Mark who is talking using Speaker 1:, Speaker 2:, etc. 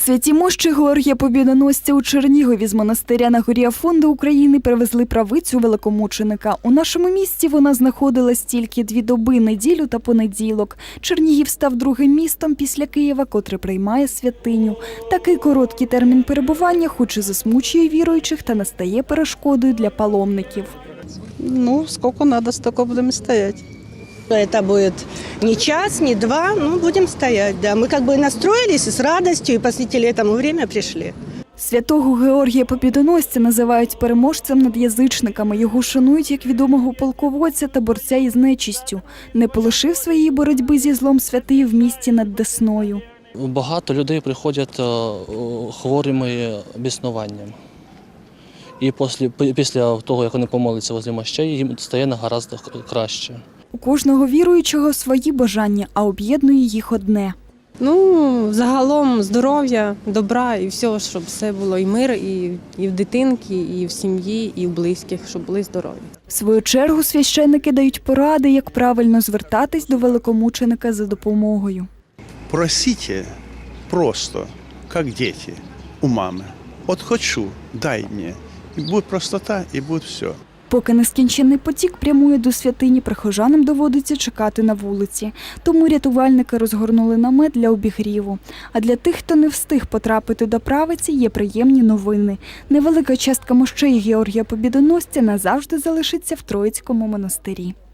Speaker 1: Святі мощі Георгія Побєдоносця у Чернігові з монастиря на горі Афонди України привезли правицю великомученика. У нашому місті вона знаходилась тільки 2 доби – неділю та понеділок. Чернігів став другим містом після Києва, котре приймає святиню. Такий короткий термін перебування хоч і засмучує віруючих та не стає перешкодою для паломників.
Speaker 2: Сколько надо, столько будем стоять.
Speaker 3: Это будет не час, не 2, будем стоять. Да. Мы как бы настроились с радостью и посвятили этому время, пришли.
Speaker 1: Святого Георгія Побєдоносця називають переможцем над язичниками. Його шанують як відомого полководця та борця із нечистю. Не полишив своєї боротьби зі злом святий в місті над Десною.
Speaker 4: Багато людей приходять хворими біснуванням. І після того, як вони помоляться возле мощей, їм стає нагаразд краще.
Speaker 1: У кожного віруючого свої бажання, а об'єднує їх одне.
Speaker 5: Загалом здоров'я, добра і все, щоб все було і мир, і в дитинки, і в сім'ї, і в близьких, щоб були здорові.
Speaker 1: В свою чергу священники дають поради, як правильно звертатись до великомученика за допомогою.
Speaker 6: Просите просто, как дети у мамы. Вот хочу, дай мне. И будет простота, и будет все.
Speaker 1: Поки нескінченний потік прямує до святині, прихожанам доводиться чекати на вулиці. Тому рятувальники розгорнули намет для обігріву. А для тих, хто не встиг потрапити до правиці, є приємні новини. Невелика частка мощей Георгія Побєдоносця назавжди залишиться в Троїцькому монастирі.